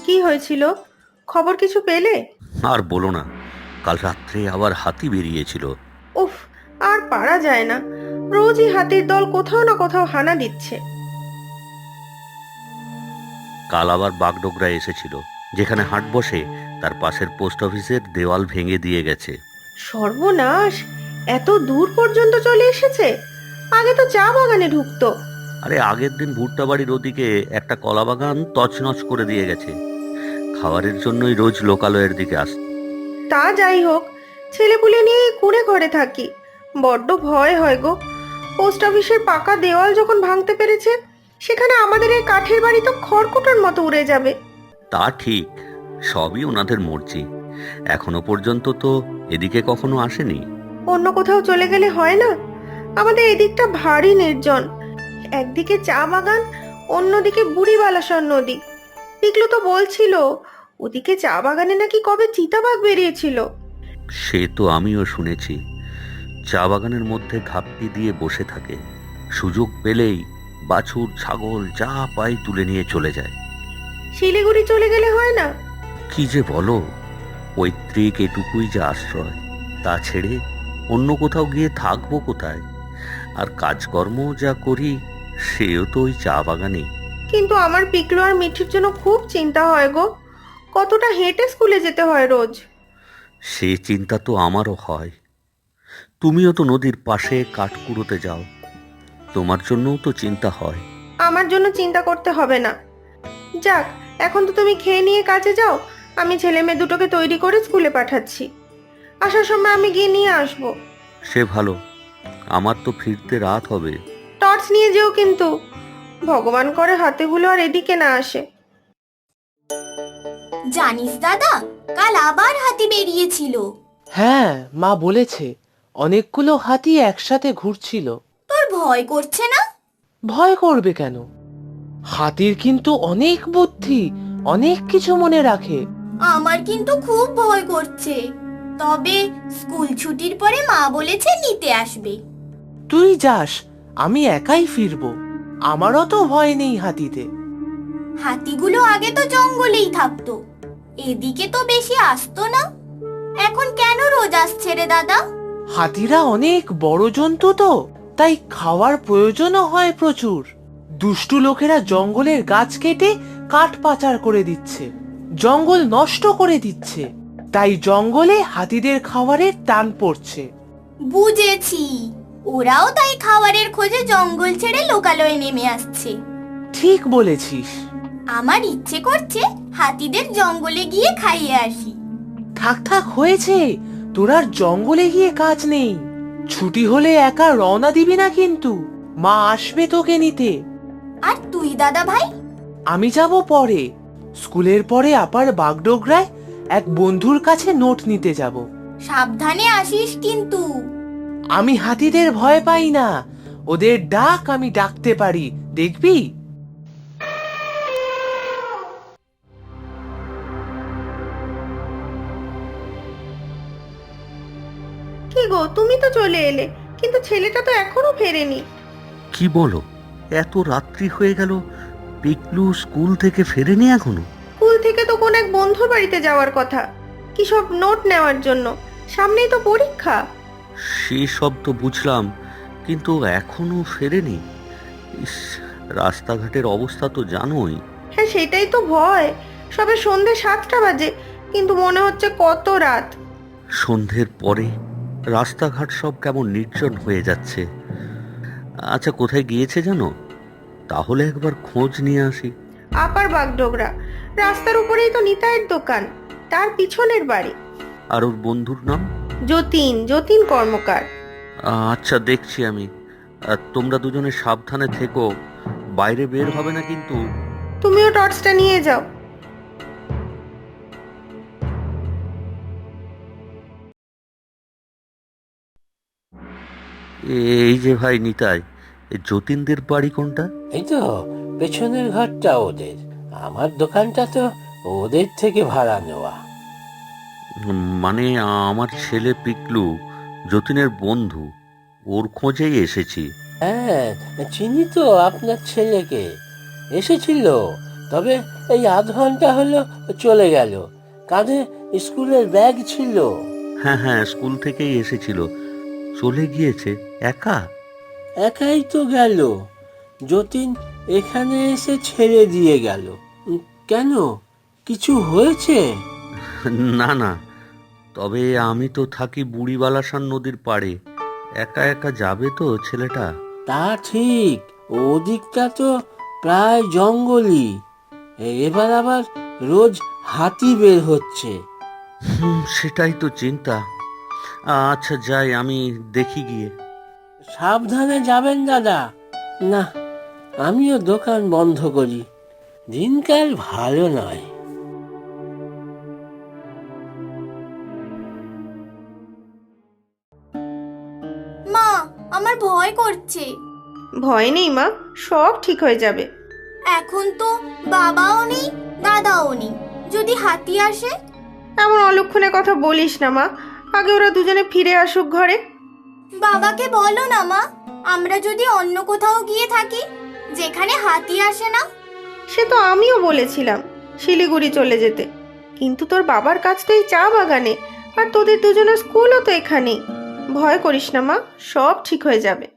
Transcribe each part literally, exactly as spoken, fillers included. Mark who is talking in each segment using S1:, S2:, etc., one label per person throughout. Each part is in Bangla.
S1: কি হয়েছিল? খবর কিছু পেলে?
S2: আর বলো না, কাল রাত্রে আবার হাতি বেরিয়েছিল।
S1: উফ, আর পারা যায় না। রোজই হাতির দল কোথাও না কোথাও হানা দিচ্ছে।
S2: কাল আবার বাগডোগরা এসেছিল। যেখানে হাট বসে তার পাশের পোস্ট অফিসের দেওয়াল ভেঙে দিয়ে গেছে।
S1: সর্বনাশ! এত দূর পর্যন্ত চলে এসেছে। আগে তো চা বাগানে ঢুকতো।
S2: আরে আগের দিন ভুট্টা বাড়ির ওদিকে একটা কলা বাগান তছনছ করে দিয়ে গেছে। খাবারের জন্যই রোজ লোকালয়ের দিকে আসে।
S1: তা যাই হোক, ছেলেপুলে নিয়ে কুঁড়ে ঘরে থাকি। বড্ড ভয় হয় গো। পোস্ট অফিসের পাকা দেওয়াল যখন ভাঙতে পেরেছে, সেখানে আমাদের এই কাঠের বাড়ি তো খড়কুটোর মতো উড়ে যাবে।
S2: তা ঠিক, সবই ওনাদের মর্জি। এখনো পর্যন্ত তো এদিকে কখনো আসেনি।
S1: অন্য কোথাও চলে গেলে হয় না? আমাদের এদিকটা ভারী নির্জন। একদিকে চা বাগান, অন্যদিকে বুড়িবালাসর নদী। পিকলু তো বলছিল ওদিকে চা বাগানে নাকি কবে চিতাবাঘ বেরিয়েছিল।
S2: সে তো আমিও শুনেছি। চা বাগানের মধ্যে ঘাপটি দিয়ে বসে থাকে। সুযোগ পেলেই বাছুর ছাগল যা পায় তুলে নিয়ে চলে যায়।
S1: শিলিগুড়ি চলে গেলে হয় না?
S2: কি যে বলো, পৈতৃক এটুকুই যে আশ্রয়। তা ছেড়ে অন্য কোথাও গিয়ে থাকবো কোথায়? আর কাজকর্ম যা করি সেও তো ওই চা বাগানে।
S1: কিন্তু আমার পিকলু আর মিঠির জন্য খুব চিন্তা হয় গো। কতটা হেঁটে স্কুলে যেতে হয় রোজ।
S2: সে চিন্তা তো আমারও হয়। তুমিও তো নদীর পাশে কাঠ কুড়োতে যাও, তোমার জন্যও তো চিন্তা হয়।
S1: আমার জন্য চিন্তা করতে হবে না। যাক, এখন তো তুমি খেয়ে নিয়ে কাজে যাও। আমি ছেলে মেয়ে দুটোকে তৈরি করে স্কুলে পাঠাচ্ছি। আসার সময় আমি গিয়ে নিয়ে আসবো।
S2: সে ভালো, আমার তো ফিরতে রাত হবে।
S1: টর্চ নিয়ে যেও কিন্তু। ভগবান করে হাতেগুলো আর এদিকে না আসে।
S3: জানিস দাদা, কাল আবার হাতি বেরিয়েছিল।
S4: হ্যাঁ, মা বলেছে অনেকগুলো হাতি একসাথে ঘুরছিল।
S3: তোর ভয় করছে না?
S4: ভয় করবে কেন? হাতির কিন্তু অনেক বুদ্ধি, অনেক কিছু মনে রাখে।
S3: আমার কিন্তু খুব ভয় করছে। তবে স্কুল ছুটির পরে মা বলেছে নিতে আসবে।
S4: তুই যাস, আমি একাই ফিরবো। আমারও তো ভয় নেই হাতিতে।
S3: হাতিগুলো আগে তো জঙ্গলেই থাকতো, এদিকে তো বেশি আসতো না। এখন কেন রোজ আসছে রে দাদা?
S4: হাতিরা অনেক বড় জন্তু তো, তাই খাওয়ার প্রয়োজনও হয় প্রচুর। দুষ্টু লোকেরা জঙ্গলের গাছ কেটে কাঠ পাচার করে দিচ্ছে, জঙ্গল নষ্ট করে দিচ্ছে। তাই জঙ্গলে হাতিদের খাবারের টান পড়ছে।
S3: বুঝেছি, ওরাও তাই খাবারের খোঁজে জঙ্গল ছেড়ে লোকালয়ে নেমে আসছে।
S4: ঠিক বলেছিস।
S3: আমার ইচ্ছে করছে হাতিদের জঙ্গলে গিয়ে খাইয়ে আসি।
S4: থাক থাক হয়েছে, তোর আর জঙ্গলে গিয়ে কাজ নেই। ছুটি হলে একা রওনা দিবি না কিন্তু, মা আসবে তোকে নিতে।
S3: আর তুই দাদা ভাই?
S4: আমি যাব পরে, স্কুলের পরে আবার বাগডোগরায় এক বন্ধুর কাছে নোট নিতে যাব।
S3: সাবধানে আসিস কিন্তু।
S4: আমি হাতিদের ভয় পাই না, ওদের ডাক আমি ডাকতে পারি, দেখবি।
S1: কি গো, তুমি তো চলে এলে, কিন্তু ছেলেটা তো এখনো ফেরেনি।
S2: কি বলো, এত রাত্রি হয়ে গেল, পিকলু স্কুল থেকে ফেরেনি এখনো?
S1: স্কুল থেকে তো কোন এক বন্ধুর বাড়িতে যাওয়ার কথা, কি সব নোট নেওয়ার জন্য। সামনেই তো পরীক্ষা।
S2: সেসব তো বুঝলাম, কিন্তু এখনো ফেরেনি। ইস, রাস্তাঘাটের অবস্থা তো জানোই।
S1: হ্যাঁ, সেটাই তো ভয়। সবে সন্ধে সাতটা বাজে, কিন্তু মনে হচ্ছে কত রাত।
S2: সন্ধ্যের পরে রাস্তাঘাট সব কেমন নির্জন হয়ে যাচ্ছে। আচ্ছা, কোথায় গিয়েছে জানো? তাহলে একবার খোঁজ নিয়ে আসি।
S1: আপার বাগডোগরা, রাস্তার উপরেই তো নিতাইয়ের দোকান, তার পিছনের বাড়ি।
S2: আর ওর বন্ধুর নাম?
S1: যতীন, যতীন কর্মকার।
S2: আচ্ছা, দেখছি আমি। আর তোমরা দুজনে সাবধানে থেকো, বাইরে বের হবে না কিন্তু।
S1: তুমিও টর্চটা নিয়ে যাও।
S2: এই যে ভাই নিতাই, এই যতীনদের বাড়ি কোনটা?
S5: এই তো পেছনের ঘরটা ওদের। আমার দোকানটা তো ওদের থেকে ভাড়া নেওয়া।
S2: উম, মানে আমার ছেলে পিকলু যতীনের বন্ধু, ওর খোঁজেই এসেছি।
S5: হ্যাঁ, চিনি তো আপনার ছেলেকে। এসেছিল তবে এই আধ ঘন্টা হলো চলে গেল। কাঁধে স্কুলের ব্যাগ ছিল।
S2: হ্যাঁ হ্যাঁ, স্কুল থেকেই এসেছিল, চলে গিয়েছে একা।
S5: একাই তো গেল। যতীন এখানে এসে ছেড়ে দিয়ে গেল। উম, কেন, কিছু হয়েছে?
S2: না না, তবে আমি তো থাকি বুড়িবালাসান নদীর পাড়ে, একা একা যাবে তো ছেলেটা?
S5: তা ঠিক, ওদিকটা তো প্রায় জঙ্গলই। এবার আবার রোজ হাতি বের হচ্ছে।
S2: হুম, সেটাই তো চিন্তা। আচ্ছা যাই, আমি দেখি গিয়ে।
S5: সাবধানে যাবেন দাদা। না, আমিও দোকান বন্ধ করি, দিনকাল ভালো নয়।
S3: মা, আমার ভয় করছে।
S1: ভয় নেই মা, সব ঠিক হয়ে যাবে।
S3: এখন তো বাবাও নেই, দাদাও নেই। যদি হাতি আসে?
S1: এমন অলক্ষণে কথা বলিস না মা, আগে ওরা দুজনে ফিরে আসুক ঘরে।
S3: বাবাকে বলো না মা, আমরা যদি অন্য কোথাও গিয়ে থাকি যেখানে হাতি আসে না।
S1: সে তো আমিও বলেছিলাম শিলিগুড়ি চলে যেতে, কিন্তু তোর বাবার কাজ তো এই চা বাগানে, আর তোদের দুজনের স্কুলও তো এখানেই। ভয় করিস না মা, সব ঠিক হয়ে যাবে।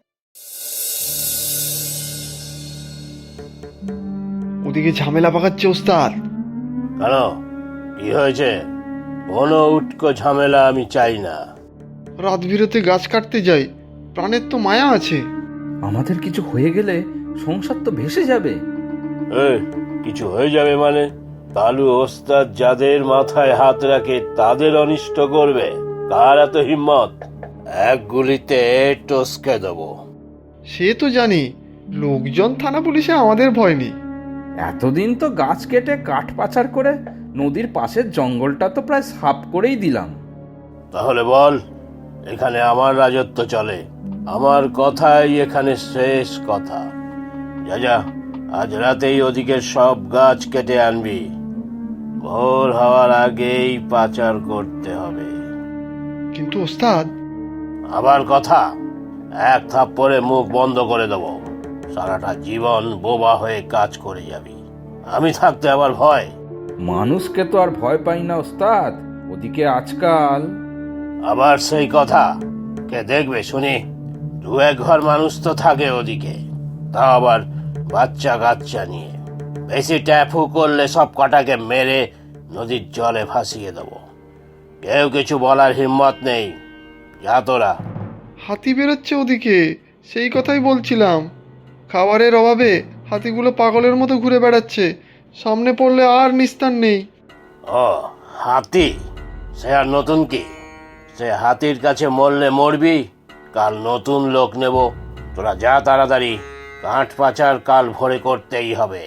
S6: ওদিকে ঝামেলা পাকাচ্ছে ওস্তাদ।
S5: কেন, কি হয়েছে? কোনো উটকো ঝামেলা আমি চাই না।
S6: রাত বিরতে গাছ কাটতে যাই, প্রাণের তো মায়া আছে।
S7: আমাদের কিছু হয়ে গেলে সংসার তো ভেসে যাবে।
S5: এই, কিছু হয়ে যাবে মানে? কালু ওস্তাদ যাদের মাথায় হাত রাখে তাদের অনিষ্ট করবে? কার এত হিম্মত? এক গুলিতে টসকে দেবো।
S6: সে তো জানি, লোকজন থানা পুলিশে আমাদের ভয় নেই।
S7: এতদিন তো গাছ কেটে কাঠ পাচার করে নদীর পাশের জঙ্গলটা তো প্রায় সাফ করেই দিলাম।
S5: তাহলে বল, এখানে আমার রাজত্ব চলে, আমার কথাই এখানে শেষ কথা। যা যা, আজ রাতেই ওদিকের সব গাছ কেটে আনবি। ভোর হওয়ার আগেই পাচার করতে হবে।
S6: কিন্তু ওস্তাদ,
S5: আবার কথা? এক থাপ্পড়ে মুখ বন্ধ করে দেবো। সারাটা জীবন বোবা হয়ে কাজ করে যাবি। আমি থাকতে আবার ভয়?
S7: মানুষকে তো আর ভয় পাই না ওস্তাদ, ওদিকে আজকাল।
S5: আবার সেই কথা? কে দেখবে শুনি? দু এক ঘর মানুষ তো থাকে ওদিকে, তা আবার বাচ্চা কাচ্চা নিয়ে। বেশি ট্যাফু করলে সব কটাকে মেরে নদীর জলে ভাসিয়ে দেবো। কেউ কিছু বলার হিম্মত নেই। যা তোরা।
S6: হাতি বেরোচ্ছে ওদিকে, সেই কথাই বলছিলাম। খাবারের অভাবে হাতিগুলো পাগলের মতো ঘুরে বেড়াচ্ছে, সামনে পড়লে আর নিস্তার নেই।
S5: ও, হাতি? সে আর নতুন কি? সে হাতির কাছে মরলে মরবি, কাল নতুন লোক নেব। তোরা যা তাড়াতাড়ি, কাঠ পাচার কাল ভোরে করতেই হবে।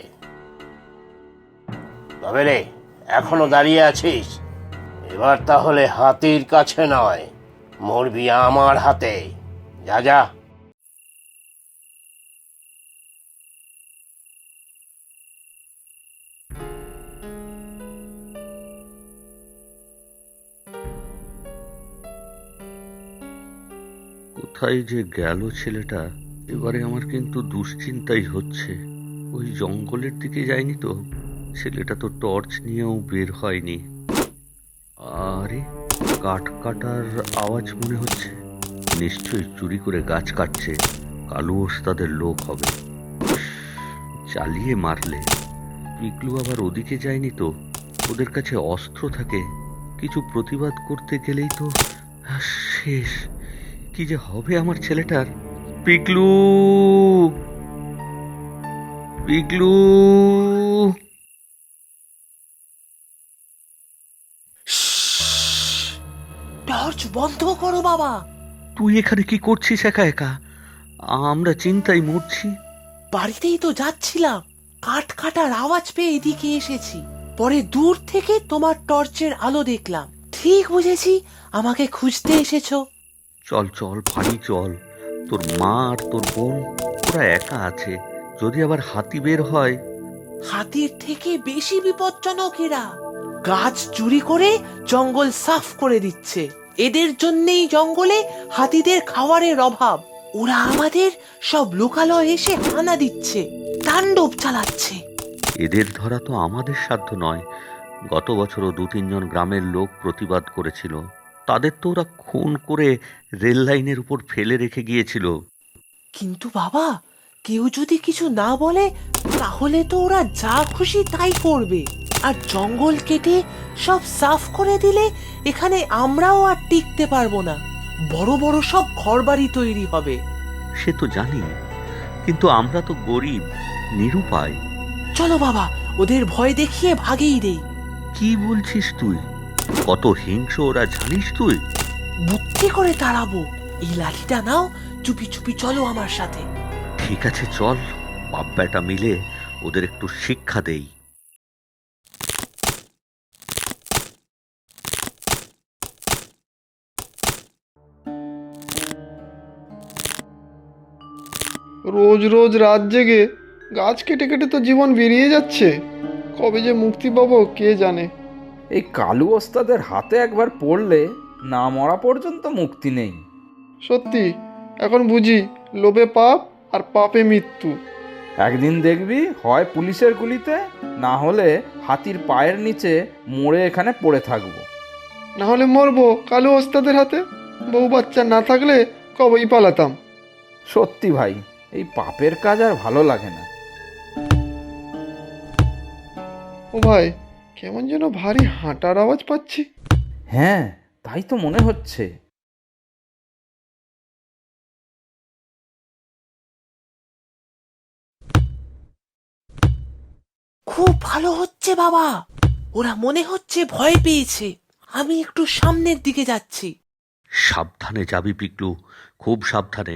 S5: তবে রে, এখনো দাঁড়িয়ে আছিস? এবার তাহলে হাতির কাছে নয়, মরবি আমার হাতে। যা যা।
S2: কোথায় যে গেল ছেলেটা? এবারে আমার কিন্তু দুশ্চিন্তাই হচ্ছে। ওই জঙ্গলের দিকে যায়নি তো? ছেলেটা তো টর্চ নিয়েও বের হয়নি। আরে, কাঠ কাটার আওয়াজ মনে হচ্ছে। নিশ্চয়ই চুরি করে গাছ কাটছে, কালু ওস্তাদের লোক হবে। চালিয়ে মারলে। পিকলু আবার ওদিকে যায়নি তো? ওদের কাছে অস্ত্র থাকে, কিছু প্রতিবাদ করতে গেলেই তো শেষ। কি যে হবে আমার ছেলেটার? পিকলু, পিকলু!
S4: টর্চ বন্ধ করো বাবা।
S2: তুই এখানে কি করছিস একা একা? আমরা চিন্তায় মরছি।
S4: বাড়িতেই তো যাচ্ছিলাম, কাঠ কাটার আওয়াজ পেয়ে এদিকে এসেছি। পরে দূর থেকে তোমার টর্চের আলো দেখলাম, ঠিক বুঝেছি আমাকে খুঁজতে এসেছো।
S2: চল চল, বাড়ি চল। তোর মা আর তোর বোন ওরা একা আছে, যদি আবার হাতি বের হয়।
S4: হাতির থেকে বেশি বিপজ্জনক এরা। গাছ চুরি করে জঙ্গল সাফ করে দিচ্ছে। এদের জন্যই জঙ্গলে হাতিদের খাবারের অভাব। ওরা আমাদের সব লোকালয়ে এসে হানা দিচ্ছে, তাণ্ডব চালাচ্ছে।
S2: এদের ধরা তো আমাদের সাধ্য নয়। গত বছরও দু তিনজন গ্রামের লোক প্রতিবাদ করেছিল। তাদের তো ওরা খুন করে রেল লাইনের উপর ফেলে রেখে গিয়েছিল।
S4: কিন্তু বাবা, কেউ যদি কিছু না বলে তাহলে তো ওরা যা খুশি তাই করবে। আর জঙ্গল কেটে সব সাফ করে দিলে এখানে আমরাও আর টিকতে পারবো না। বড় বড় সব ঘরবাড়ি তৈরি হবে।
S2: সে তো জানি, কিন্তু আমরা তো গরিব, নিরুপায়।
S4: চলো বাবা, ওদের ভয় দেখিয়ে ভাগেই দেই।
S2: কি বলছিস তুই? কত হিংস্র ওরা জানিস তুই?
S4: বুদ্ধি করে তাড়াবো। এই লাঠিটা নাও, চুপি চুপি চলো আমার সাথে।
S2: ঠিক আছে, চল, বাপ বেটা মিলে ওদের একটু শিক্ষা দেই।
S6: রোজ রোজ রাত জেগে গাছ কেটে কেটে তো জীবন বেরিয়ে যাচ্ছে। কবে যে মুক্তি পাবো কে জানে।
S7: এই কালু ওস্তাদের হাতে একবার পড়লে না মরা পর্যন্ত মুক্তি নেই।
S6: সত্যি, এখন বুঝি লোভে পাপ আর পাপে মৃত্যু।
S7: একদিন দেখবি হয় পুলিশের গুলিতে, না হলে হাতির পায়ের নিচে মরে এখানে পড়ে থাকবো।
S6: না হলে মরবো কালু ওস্তাদের হাতে। বউ বাচ্চা না থাকলে কবেই পালাতাম।
S7: সত্যি ভাই, এই পাপের কাজ আর ভালো লাগে না।
S6: ও ভাই, কেমন যেন ভারী হাঁটার আওয়াজ পাচ্ছি।
S7: হ্যাঁ, তাই তো মনে হচ্ছে।
S4: খুব ভালো হচ্ছে বাবা, ওরা মনে হচ্ছে ভয় পেয়েছে। আমি একটু সামনের দিকে যাচ্ছি।
S2: সাবধানে যাবি পিকলু, খুব সাবধানে।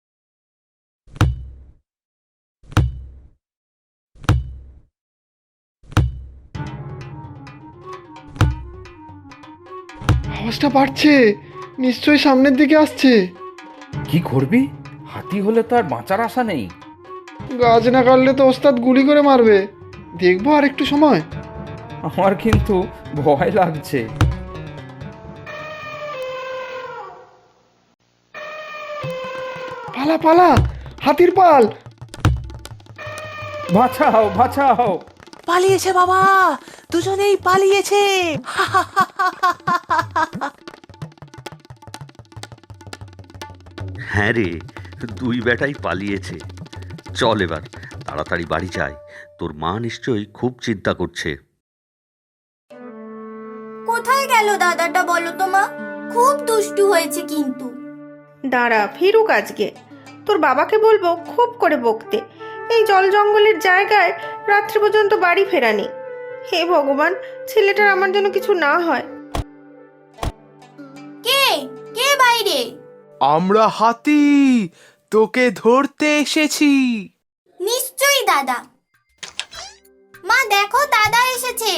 S6: আওয়াজটা বাড়ছে, নিশ্চয়ই সামনের দিকে আসছে।
S7: কি করবি? হাতি হলে তো আর বাঁচার আশা নেই।
S6: গাছ না কাটলে তো ওস্তাদ গুলি করে মারবে। দেখবো আর একটু সময়।
S7: আমার কিন্তু ভয় লাগছে।
S6: পালা পালা, হাতির পাল।
S7: বাঁচাও বাঁচাও!
S4: পালিয়েছে বাবা, দুজনেই পালিয়েছে।
S2: হ্যাঁ রে, দুই বেটাই পালিয়েছে। চল এবার তাড়াতাড়ি বাড়ি যাই। তোর মা নিশ্চয়ই খুব চিন্তা করছে।
S3: কোথায় গেল দাদাটা বলো তো মা? খুব দুষ্টু হয়েছে কিন্তু।
S1: দাঁড়া, ফিরুক আজকে। তোর বাবাকে বলবো খুব করে বকতে। এই জল জঙ্গলের জায়গায় রাত্রি পর্যন্ত বাড়ি ফেরানি। হে ভগবান, ছেলেটার আমার যেন কিছু না হয়।
S3: কে কে বাইরে?
S4: আমরা হাতি, তোকে ধরতে এসেছি।
S3: নিশ্চয়ই দাদা। মা দেখো, দাদা এসেছে।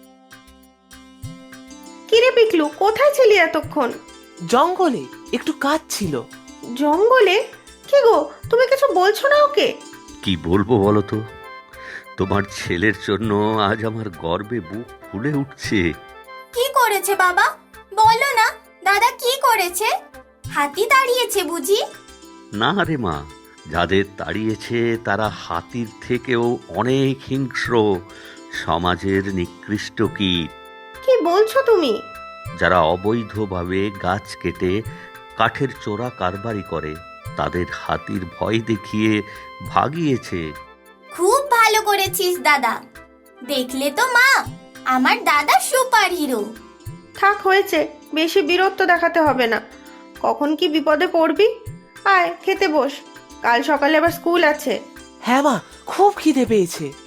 S1: কিরে পিকলু, কোথায় ছিলি এতক্ষণ?
S4: জঙ্গলে একটু কাজ ছিল।
S1: জঙ্গলে? কি গো, তুমি কিছু বলছো না ওকে?
S2: কি বলবো বলো তো? তোমার ছেলের জন্য আজ আমার গর্বে বুক ফুলে উঠছে।
S3: কি করেছে বাবা? বলো না দাদা, কি করেছে? হাতি দাঁড়িয়েছে বুঝি?
S2: না রে মা, যাদের তাড়িয়েছে তারা হাতির থেকেও অনেক হিংস্র, সমাজের নিকৃষ্ট কীট।
S1: কি বলছো তুমি?
S2: যারা অবৈধভাবে গাছ কেটে কাঠের চোরা কারবারি করে তাদের হাতির ভয় দেখিয়ে ভাগিয়েছে।
S3: খুব ভালো করেছিস দাদা। দেখলে তো মা, আমার দাদা সুপার হিরো।
S1: থাক, হয়েছে, বেশি বীরত্ব দেখাতে হবে না। কখন কি বিপদে পড়বি। আয় খেতে বস, কাল সকালে আবার স্কুল আছে।
S4: হ্যাঁ মা, খুব খিদে পেয়েছে।